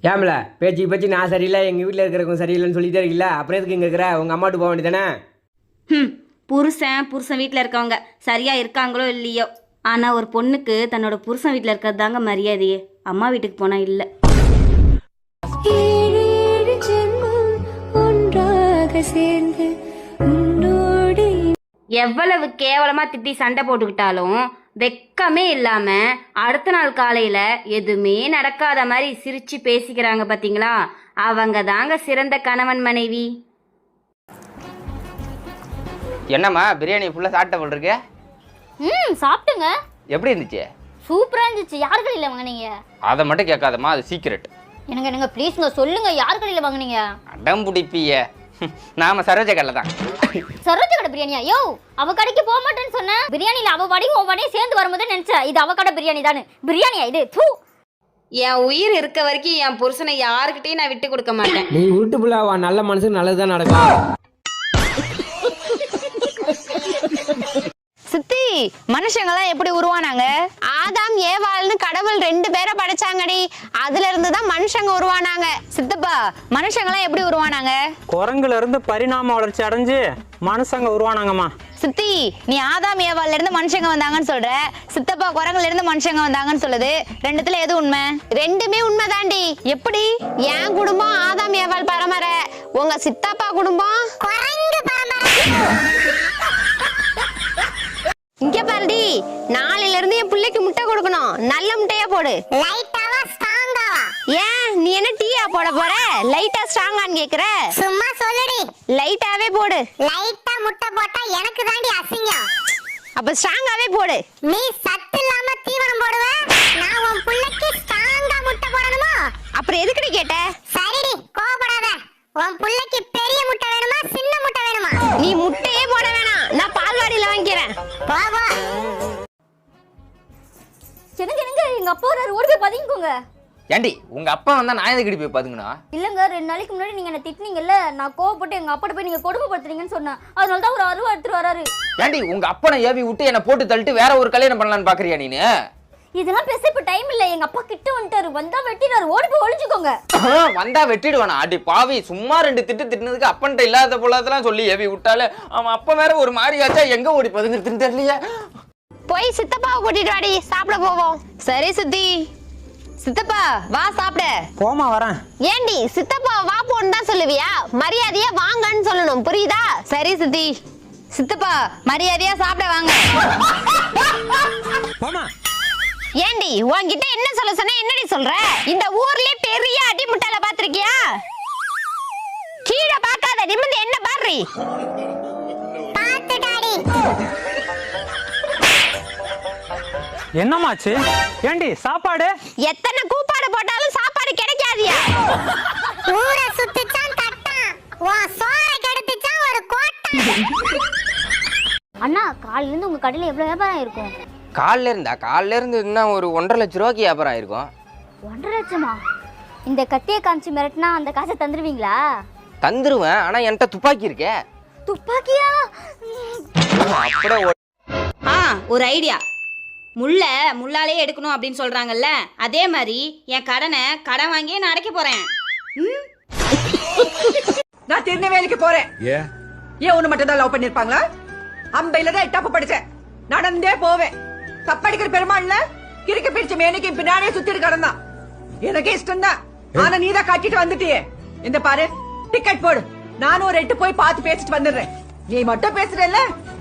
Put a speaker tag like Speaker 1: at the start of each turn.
Speaker 1: ஏம்ல பேச்சு பேச்சு நான் சரியில்லை எங்கள் வீட்டில் இருக்கிறவங்க சரியில்லைன்னு சொல்லிட்டே இருக்கல, அப்புறம் எதுக்கு இங்கே இருக்கிற உங்கள் அம்மாட்டு போக வேண்டியதானே?
Speaker 2: புருஷன் வீட்டில் இருக்கவங்க சரியாக இருக்காங்களோ இல்லையோ, ஆனால் ஒரு பொண்ணுக்கு தன்னோட புருஷன் வீட்டில் இருக்கிறது தாங்க மரியாதையே. அம்மா வீட்டுக்கு போனால் இல்லை. எவ்வளவு கேவலமாக திட்டி சண்டை போட்டுக்கிட்டாலும் வெக்கமே இல்லாமல் அடுத்த நாள் காலையில் எதுவுமே நடக்காத மாதிரி சிரித்து பேசிக்கிறாங்க பார்த்தீங்களா, அவங்க தாங்க சிறந்த கணவன் மனைவி.
Speaker 3: என்னம்மா பிரியாணி ஃபுல்லாக சாப்பிட்ட போல் இருக்கு?
Speaker 4: சாப்பிட்டுங்க.
Speaker 3: எப்படி இருந்துச்சு?
Speaker 4: சூப்பராக இருந்துச்சு. யார் கடையில் வாங்கினீங்க?
Speaker 3: அதை மட்டும் கேட்காதம்மா, அது சீக்கிரட்.
Speaker 4: எனக்கு ப்ளீஸ்ங்க சொல்லுங்க, யார் கடையில் வாங்கினீங்க?
Speaker 3: அடம் பிடிப்பிய நாம சரோஜ கடையில் தான்.
Speaker 4: சரோஜ கடை பிரியாணியா? யோ, அவ கடைக்கு போக மாட்டேன்னு சொன்னேன். பிரியாணியில் அவ வடையும் உன் வடையும் சேர்ந்து வரும்போது நினைச்சேன் இது அவ கடை பிரியாணி தானே. பிரியாணியா இது? தூ.
Speaker 2: என் உயிர் இருக்க வரைக்கும் என் புருஷனை யாருக்கிட்டையும் நான் விட்டு கொடுக்க மாட்டேன்.
Speaker 1: நீ உருட்டு புள்ளாவா, நல்ல மனசுக்கு நல்லது தான் நடக்கும்.
Speaker 5: சித்தி, மனுஷங்கெல்லாம் எப்படி உருவானாங்க? ஆதாம் ஏவாள்னு கடவுள் 2 பேரை படைச்சாங்கடி, அதுல இருந்து தான் மனுஷங்க உருவானாங்க. சித்தப்பா, மனுஷங்கெல்லாம் எப்படி உருவானாங்க?
Speaker 6: குரங்குல இருந்து பரிணாம வளர்ச்சி அடைஞ்சு மனுஷங்க உருவானாங்கம்மா.
Speaker 5: சித்தி, நீ ஆதாம் ஏவாள்ல இருந்து மனுஷங்க வந்தாங்கன்னு சொல்ற, சித்தப்பா குரங்குல இருந்து மனுஷங்க வந்தாங்கன்னு சொல்லுது. ரெண்டுத்துல எது உண்மை? ரெண்டுமே உண்மைதாண்டி. எப்படி? என் குடும்பம் ஆதாம் ஏவாள் பரம்பரை, உங்க சித்தப்பா குடும்பம் குரங்கு பரம்பரை. இங்க பாருடி, நாளையில இருந்து என் பிள்ளைக்கு முட்டை கொடுக்கணும். நல்ல முட்டையா போடு. லைட்டாவா ஸ்ட்ராங்காவா? ஏன் நீ என்ன டீயா போட போற? லைட்டா ஸ்ட்ராங்கான்னு கேக்குற? சும்மா சொல்லுடி. லைட்டாவே போடு. லைட்டா முட்டை போட்டா எனக்கு தாண்டி அசிங்கம். அப்ப ஸ்ட்ராங்காவே போடு. நீ சத்து இல்லாம தீவனம் போடுவ, நான் உன் பிள்ளைக்கு ஸ்ட்ராங்கா முட்டை போடணுமா? அப்புறம் எதுக்குடி கேட்ட? சரிடி, கோவப்படாத. உன் பிள்ளைக்கு பெரிய முட்டை வேணுமா சின்ன முட்டை வேணுமா? நீ முட்டையே போட வேணாம், நான் பால்வாடியில வாங்கிக்கிறேன். வா வா.
Speaker 4: என்னங்க எங்க அப்பா வராரு, ஓடி போய் பதுங்கிக்கோங்க.
Speaker 3: ஏண்டி உங்க அப்பா வந்தா நான் எதுக்கு போய் பாத்துக்கணும்?
Speaker 4: இல்லங்க, 2 நாளைக்கு முன்னாடி நீங்க என்ன திட்டினீங்கல்ல, நான் கோவப்பட்டு எங்க அப்பாட்ட போய் நீங்க கொடுமைப்படுத்துறீங்கன்னு சொன்னேன். அதனால தான் ஒரு அருவா எடுத்துட்டு வராரு.
Speaker 3: ஏண்டி உங்க அப்பனை ஏவி விட்டு என்ன போட்டு தள்ளிட்டு வேற ஒரு கல்யாணம் பண்ணலான்னு பாக்குறியா நீனு?
Speaker 4: இதெல்லாம் பேச இப்ப டைம் இல்ல. எங்க அப்பா கிட்ட வந்துட்டாரு, வந்தா வெட்டிடுவாரு. ஓடி போய் ஒளிஞ்சுக்கோங்க.
Speaker 3: வந்தா வெட்டிடுவானா? அடி பாவி, சும்மா 2 திட்டு திட்டினதுக்கு அப்பன்ட்ட இல்லாத போலதெல்லாம் சொல்லி ஏவி விட்டாலே அவன் அப்ப வேற ஒரு மாதிரி ஆச்சா. எங்க ஓடி பதுங்குறதுன்னு தெரியலையே.
Speaker 5: போய் சித்தப்பாவை கூட்டிட்டு வாடி, சாப்பிட போவோம். சரி சித்தி. சித்தப்பா வா சாப்பிட.
Speaker 6: போமா வரேன்.
Speaker 5: ஏண்டி சித்தப்பா வா போன்னு தான் சொல்லுவியா? மரியாதையா வாங்கன்னு சொல்லணும், புரியுதா? சரி சித்தி. சித்தப்பா மரியாதையா சாப்பிட வாங்க.
Speaker 6: போமா.
Speaker 5: ஏண்டி உன்கிட்ட என்ன சொல்ல சொன்ன, என்னடி சொல்ற? இந்த ஊர்லயே பெரிய அடி முட்டாள பாத்திருக்கியா? கீழே பார்க்காத, நிமிர்ந்து என்ன பாரு. பாத்துடாடி.
Speaker 6: என்னமாச்சு? ஏண்டி சாப்பாடு?
Speaker 5: எத்தனை கூப்பாடு போட்டாலும் சாப்பாடு கிடைக்காதியா? ஊரை சுத்திச்சான் தட்டான், உன் சோற கெடுத்துச்சான் ஒரு கோட்டை.
Speaker 4: அண்ணா, காலையில இருந்து உங்க கடையில எவ்வளவு வியாபாரம் இருக்கும்?
Speaker 3: காலைல இருந்து இன்னும் ஒரு 1.5 லட்ச ரூபாய்க்கு வியாபாரம் ஆயிருக்கும்.
Speaker 4: 1.5 லட்சமா? இந்த கத்தியை காமிச்சு மிரட்டினா அந்த காசை தந்துருவீங்களா?
Speaker 3: தந்துருவேன், ஆனா என்கிட்ட துப்பாக்கி இருக்கே.
Speaker 4: துப்பாக்கியா?
Speaker 3: அப்படியே
Speaker 2: ஒரு ஐடியா. முள்ளாலே எடுக்கணும் அப்படின்னு சொல்றாங்கல்ல, அதே மாதிரி என் கடனை கடன் வாங்கியே நான் அடைக்க போறேன்.
Speaker 7: நான் திருநெல்வேலிக்கு போறேன். ஏன் ஒண்ணு மட்டும் தான் லவ் பண்ணிருப்பாங்களா? அம்பையில தான் தப்பு படிச்சேன், நடந்தே போவேன். தப்படிக்கிற பெருமாள்ல கிறுக்கு பிடிச்ச மேனைக்கு பின்னாடியே சுத்திட்டு கிடந்தான். எனக்கு இஷ்டம் தான், ஆனா நீ தான் கட்டிட்டு வந்துட்டியே. இந்த பாரு, டிக்கெட் போடு, நானும் ஒரு 8 போய் பார்த்து பேசிட்டு வந்துடுறேன். நீ மட்டும் பேசுறல்ல,